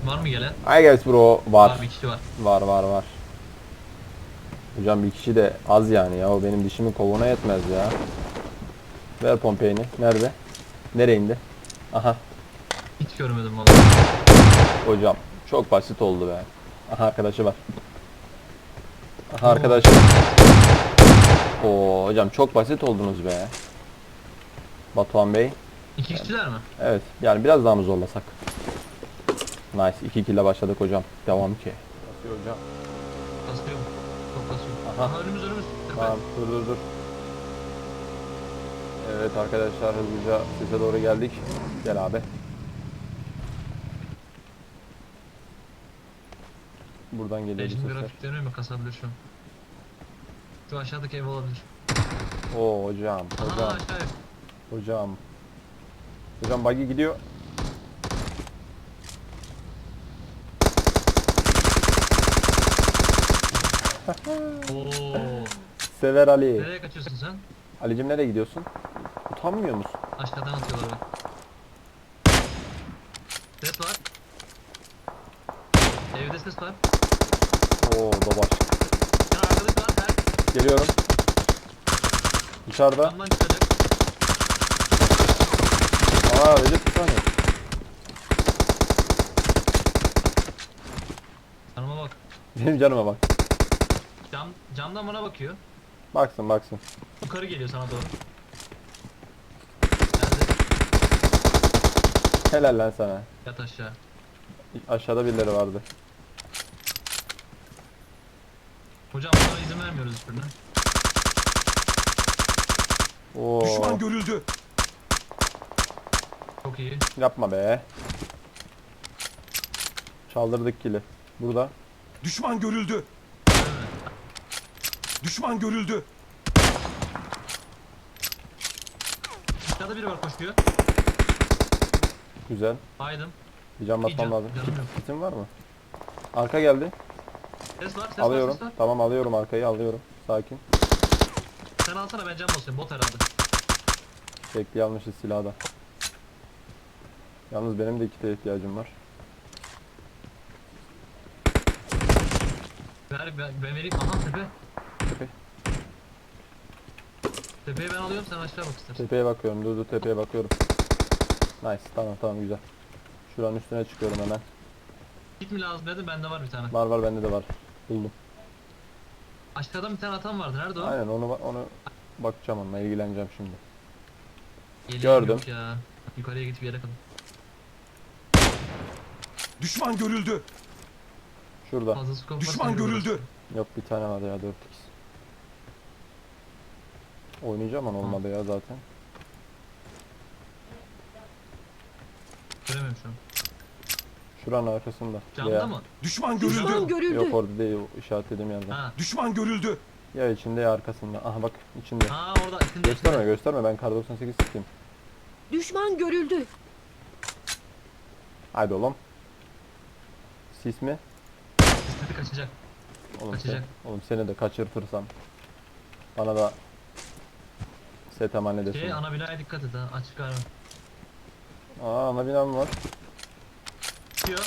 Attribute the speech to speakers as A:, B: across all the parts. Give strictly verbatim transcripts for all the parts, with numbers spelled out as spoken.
A: Var mı gelen?
B: I guess bro var.
A: Var, bir kişi var.
B: Var var var. Hocam bir kişi de az yani ya. O benim dişimin kovuğuna yetmez ya. Ver Pompey'ni. Nerede? Nereye indi? Aha.
A: Hiç görmedim vallahi.
B: Hocam çok basit oldu be. Aha arkadaşı var. Aha
A: Oo.
B: arkadaşı. Oo hocam çok basit oldunuz be. Batuhan Bey.
A: İki kişiler mi?
B: Evet yani biraz daha mı zorlasak? Nice. iki kill başladık hocam. Devam ki. Basıyor hocam.
A: Kasıyor mu? Çok kasıyor.
B: Aha.
A: Aha, önümüz önümüz.
B: Tamam dur dur dur. Evet arkadaşlar hızlıca sese doğru geldik. Gel abi. Buradan geliyor bu
A: Şimdi
B: sesler.
A: grafiklerini mi kasabilir şu an? Şu aşağıdaki ev olabilir.
B: Oo hocam,
A: Aha,
B: hocam,
A: aşağı ev.
B: hocam. Hocam buggy gidiyor.
A: Oo.
B: Sever Ali.
A: Nereye kaçıyorsun sen?
B: Ali'cim nereye gidiyorsun? Utanmıyor musun?
A: Aşağıdan atıyorlar bak. Ses var. Evde ses var.
B: Oo babaş.
A: Ya arkadaş var. Her
B: Geliyorum. Dışarıda.
A: camdan çıkacak.
B: Aa Recep bir saniye.
A: Canıma bak.
B: Benim canıma bak.
A: Cam, camdan bana bakıyor.
B: Baksın baksın.
A: Yukarı geliyor sana doğru. Geldi.
B: Helal lan sana.
A: Yat aşağı.
B: Aşağıda birileri vardı.
A: Hocam bunlara izin vermiyoruz hiçbirine.
B: Oo.
C: Düşman görüldü.
A: Çok iyi.
B: Yapma be. Çaldırdık kili. Burada.
C: Düşman görüldü. Düşman görüldü.
A: Aşağıda biri var koşuyor.
B: Güzel.
A: Baydım.
B: Bir can
A: Bir
B: basmam
A: can-
B: lazım.
A: canım yok.
B: Kitin var mı? Arka geldi.
A: Ses var, ses
B: Alıyorum.
A: var, ses var.
B: Tamam alıyorum arkayı alıyorum. Sakin.
A: Sen alsana, ben cam basıyorum. Bot herhalde.
B: Bekli almışız silahı da. Yalnız benim de kite ihtiyacım var.
A: Ver, ben, ben vereyim. Aha tepe.
B: Tepe.
A: Tepeyi ben alıyorum, sen aşağı bak istersen.
B: Tepeye bakıyorum. Dur dur tepeye bakıyorum. Nice. Tamam tamam güzel. Şuranın üstüne çıkıyorum hemen.
A: Git mi lazım dedim, bende var bir tane.
B: Var var bende de var. Buldum.
A: Aşağıdan bir tane atan vardı, nerede o?
B: Aynen onu onu bakacağım onunla ilgileneceğim şimdi.
A: Yeleğim
B: gördüm.
A: yok ya. Yukarıya git bir yere kadar.
C: Düşman görüldü.
B: Şurada.
A: Fazla skop varsa
C: Düşman
A: yürü
C: görüldü.
A: burası.
B: Yok bir tane var ya dört x. Oynayacağım ama olmadı ya zaten.
A: Göremiyorum şu an.
B: Şuranın arkasında.
A: Camda
B: Ya-
A: mı?
C: Düşman
D: Düşman
C: görüldü.
D: görüldü.
B: Yok orada değil o işaretlediğim yerden.
A: Ha.
C: Düşman görüldü.
B: Ya içinde ya arkasında. Aha bak içinde.
A: Ha orada içinde.
B: Gösterme gösterme ben kar doksan sekiz sıkayım.
D: Düşman görüldü.
B: Haydi oğlum. Sis mi?
A: İstedi kaçacak.
B: Oğlum,
A: Kaçacak.
B: sen, oğlum seni de kaçırtırsam. Bana da set emanet
A: Şey,
B: edesin.
A: ana binaya dikkat et ha. Açık galiba.
B: Aa ana binam var.
A: Çıkıyor.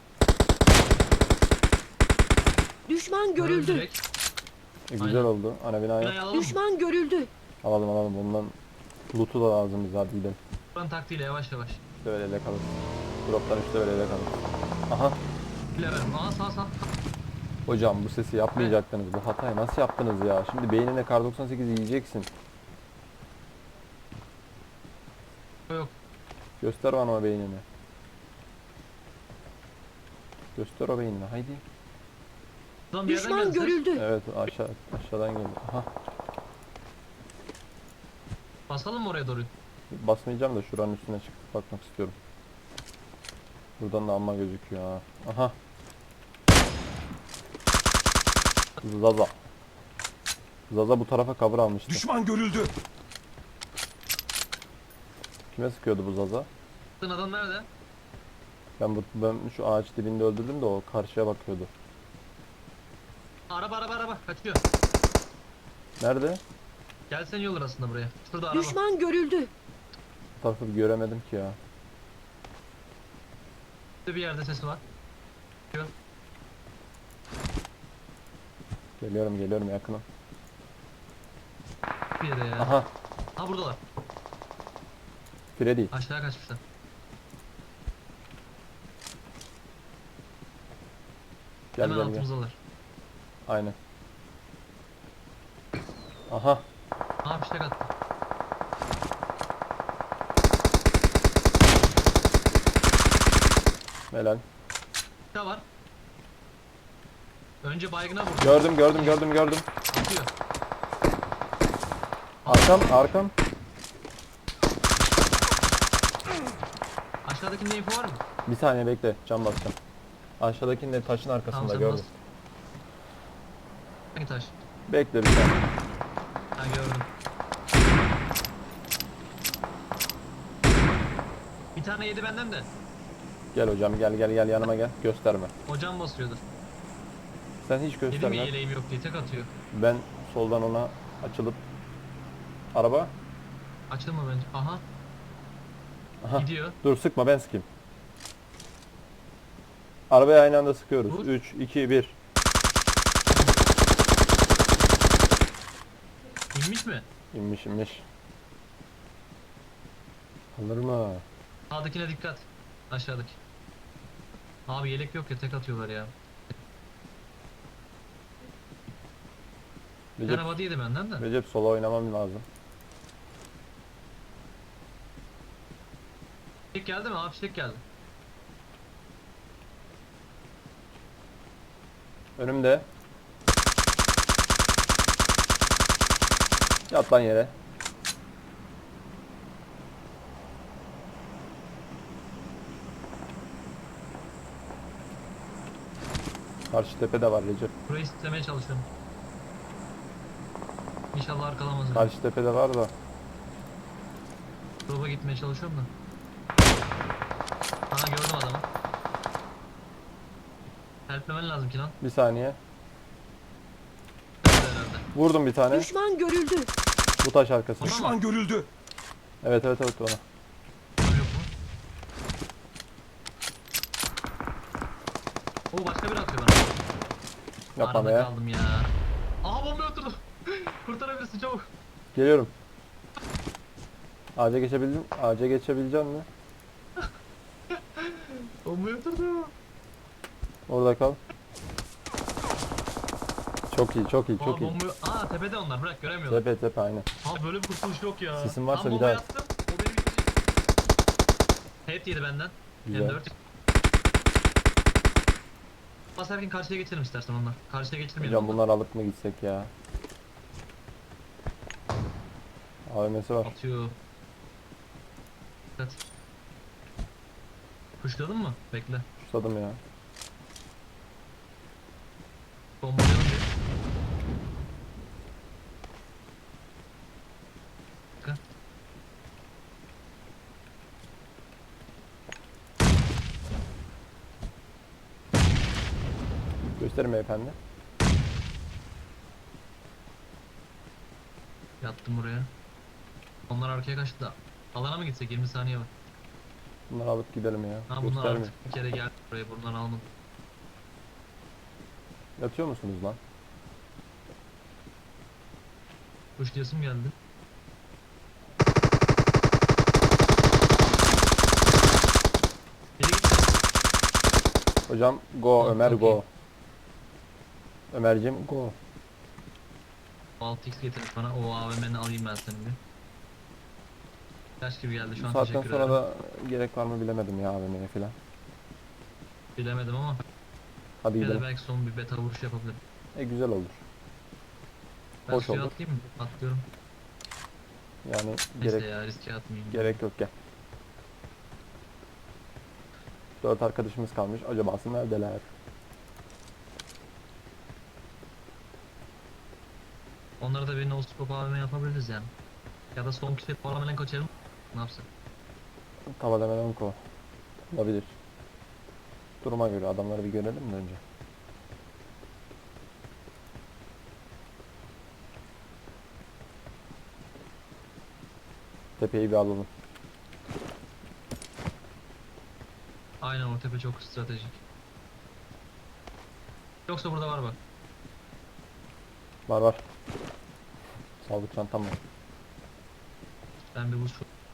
D: Düşman görüldü.
A: Direkt.
B: E, güzel
A: Aynen.
B: oldu. Ana binaya
A: Binayı alalım mı?
D: Düşman görüldü.
B: alalım alalım. Bundan loot'u da lazım bize hadi gidelim.
A: Buranın taktiğiyle yavaş yavaş.
B: İşte böyle ele kalır. Drop'tan işte böyle ele kalır. Aha.
A: Bile verim. Aa sağ sağ.
B: Hocam bu sesi yapmayacaktınız. Bu hatayı nasıl yaptınız ya? Şimdi beynine kar doksan sekiz yiyeceksin.
A: Yok.
B: Göster bana o beynini. Göster o beynini haydi.
A: Buradan bir yerden
D: Düşman
A: geldi ses.
D: görüldü.
B: Evet aşağı aşağıdan geldi. Aha.
A: Basalım mı oraya doğru?
B: Basmayacağım da şuranın üstüne çıkıp bakmak istiyorum. Buradan da amma gözüküyor ha. Aha. Zaza. Zaza bu tarafa cover almıştı.
C: Düşman görüldü.
B: Kime sıkıyordu bu Zaza?
A: Sen adam nerede?
B: Ben bu ben şu ağaç dibinde öldürdüm de o karşıya bakıyordu.
A: Araba araba araba kaçıyor.
B: Nerede?
A: Gelsen iyi olur aslında buraya. Şurada araba.
D: Düşman görüldü.
B: Bu tarafı bir göremedim ki ya.
A: Şurada bir yerde sesi var. Diyor.
B: Geliyorum geliyorum yakınım.
A: Bir yere ya.
B: Aha.
A: Ha buradalar.
B: Freddy.
A: Aşağıya kaçmışlar.
B: Gel
A: Hemen
B: gel gel.
A: altımızdalar.
B: Aynen. Aha.
A: Ha bir şey attı.
B: Helal.
A: Bir daha var. Önce baygına vurdu.
B: Gördüm gördüm gördüm gördüm.
A: Atıyor.
B: Arkam arkam.
A: Aşağıdakinde info var mı?
B: Bir saniye bekle. Cam basacağım. Aşağıdakinin de taşın arkasında
A: Tamam sen
B: gördüm.
A: bas. Hangi taş?
B: Bekle bir saniye.
A: Ha gördüm. Bir tane yedi benden de.
B: Gel hocam gel gel gel yanıma gel. Gösterme.
A: Hocam basıyordu.
B: Sen hiç
A: Dedim ya
B: gösterme.
A: yeleğim yok diye tek atıyor.
B: Ben soldan ona açılıp araba.
A: Açılma bence. Aha.
B: Aha.
A: Gidiyor.
B: Dur sıkma ben sıkayım. Arabaya aynı anda sıkıyoruz.
A: Vur.
B: üç, iki, bir.
A: İnmiş mi?
B: İnmiş inmiş. Alır mı?
A: Sağdakine dikkat. Aşağıdaki. Abi yelek yok ya tek atıyorlar ya. Bir
B: Recep,
A: tane body yedi benden de.
B: Recep sola oynamam lazım.
A: Fişek geldi mi? Abi fişek geldi.
B: Önümde. Yat lan yere. Karşı tepede var Recep.
A: Burayı istemeye çalışıyorum. İnşallah arkalamaz.
B: Karşı tepede var da.
A: Drop'a gitmeye çalışıyorum da. Aha gördüm adamı. Helplemen lazım ki lan.
B: Bir saniye.
A: Herhalde.
B: Vurdum bir tane.
D: Düşman görüldü.
B: Bu taş arkasında.
A: Ona mı?
C: Düşman görüldü.
B: Evet evet evet ona.
A: Var yok mu? Oo başka biri atıyor bana.
B: Yapma
A: Arada
B: be.
A: kaldım ya. Aha bomba oturdu. Kurtarabilirsin çabuk.
B: Geliyorum. Ağaca geçebildin. Ağaca geçebilecek mi?
A: Bomba oturdu.
B: Orada kal. Çok iyi, çok iyi,
A: Aa
B: çok iyi.
A: bomba. Aa tepede onlar bırak göremiyorlar.
B: Tepe tepe aynen.
A: Abi böyle bir kurtuluş yok ya.
B: Sesin varsa
A: Tam
B: bir
A: bomba
B: daha-
A: attım. O beni bitirecek. Hep yedi benden.
B: Güzel.
A: M dört. Basarken karşıya geçelim istersen onlar. Karşıya geçirmeyelim.
B: Hocam bunları alıp mı gitsek ya? A V M'si var.
A: Atıyor. Dikkat. Kuşladın mı? Bekle.
B: Tutadım ya.
A: Bombalayalım bir. Dakika.
B: Gösterin beyefendi.
A: Yattım buraya. Onlar arkaya kaçtı da. Alana mı gitsek? yirmi saniye var.
B: Bunları alıp gidelim ya.
A: Ha bunlar
B: Gösterme.
A: artık bir kere geldi buraya. Buradan almadım.
B: Yatıyor musunuz lan?
A: Kuşlayasım geldi. Biri gitti.
B: Hocam go
A: Tamam,
B: Ömer
A: çok
B: go.
A: iyi.
B: Ömerciğim go.
A: altı x getirmiş bana. O A V M'ni alayım ben senin bir. Kaç gibi geldi şu
B: Bu
A: an
B: saatten
A: teşekkür
B: sonra
A: ederim.
B: da gerek var mı bilemedim ya A V M'ye falan.
A: Bilemedim ama.
B: Hadi
A: Ya da
B: gidelim.
A: belki son bir beta vuruş yapabilirim.
B: E güzel olur.
A: Ben
B: Hoş
A: suya
B: olur.
A: atlayayım mı? Atlıyorum.
B: Yani
A: Neyse
B: gerek
A: ya riske atmayayım.
B: gerek yok gel. Dört arkadaşımız kalmış. Acabası neredeler?
A: Onlara da bir no scope A V M yapabiliriz yani. Ya da son kişi parlamen kaçalım. Ne yapsak?
B: Tava demeden ko. Olabilir. Duruma göre adamları bir görelim de önce. Tepeyi bir alalım.
A: Aynen o tepe çok stratejik. Yoksa burada var bak.
B: Var var. Sağlık çantam var.
A: Ben bir buz.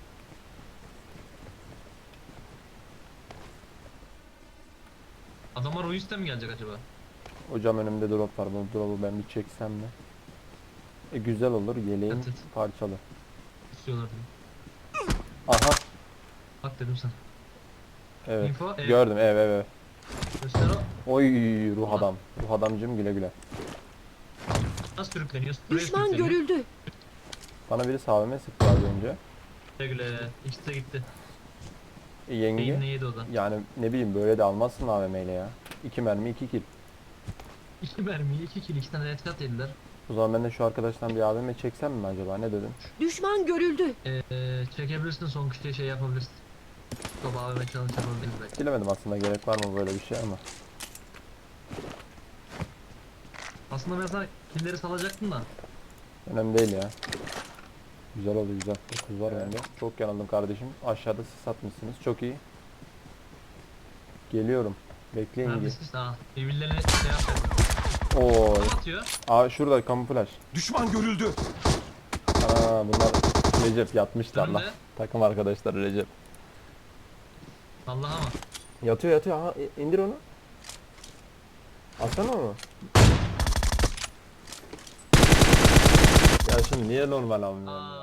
A: Adamlar o yüzden mi gelecek acaba?
B: Hocam önümde drop var. Bu drop'u ben bir çeksem mi? E güzel olur. Yeleğin
A: Evet, evet.
B: parçalı.
A: İstiyorlar diye.
B: Aha.
A: Bak dedim sana.
B: Evet.
A: Info, evet.
B: Gördüm. Evet evet.
A: Göster o.
B: Oy ruh
A: Aha.
B: adam. Ruh adamcım güle güle.
A: Nasıl sürükleniyor? Buraya
D: Düşman
A: sürükleniyor.
D: görüldü.
B: Bana biri sağ sıktı az önce.
A: Güle güle. İkisi de gitti.
B: E, yenge.
A: Beyinle yedi o da.
B: Yani ne bileyim böyle de almazsın A V M ile ya. İki mermi iki kill.
A: İki mermiyi, iki kill, iki tane headshot yediler.
B: O zaman ben de şu arkadaştan bir A V M çeksem mi acaba? Ne dedin?
D: Düşman görüldü.
A: Ee, çekebilirsin, son kişiye şey yapabilirsin. Top A V M challenge yapabiliriz belki.
B: Bilemedim aslında gerek var mı böyle bir şey ama.
A: Aslında ben sana killleri salacaktım da.
B: Önemli değil ya. Güzel oldu güzel. dokuz var bende. Çok yanıldım kardeşim. Aşağıda sis atmışsınız. Çok iyi. Geliyorum. Bekleyin ki.
A: Neredesin? Aa, birbirlerine şey yapıyor.
B: Oo.
A: Kim atıyor?
B: Aa şurada kamuflaj.
C: Düşman görüldü.
B: Aa bunlar Recep yatmışlar lan.
A: Önde.
B: Takım arkadaşları Recep.
A: Allah'a mı?
B: Yatıyor yatıyor. Aha i- indir onu. Atsana onu. Ya şimdi niye normal almıyorsun ya?
A: Aa,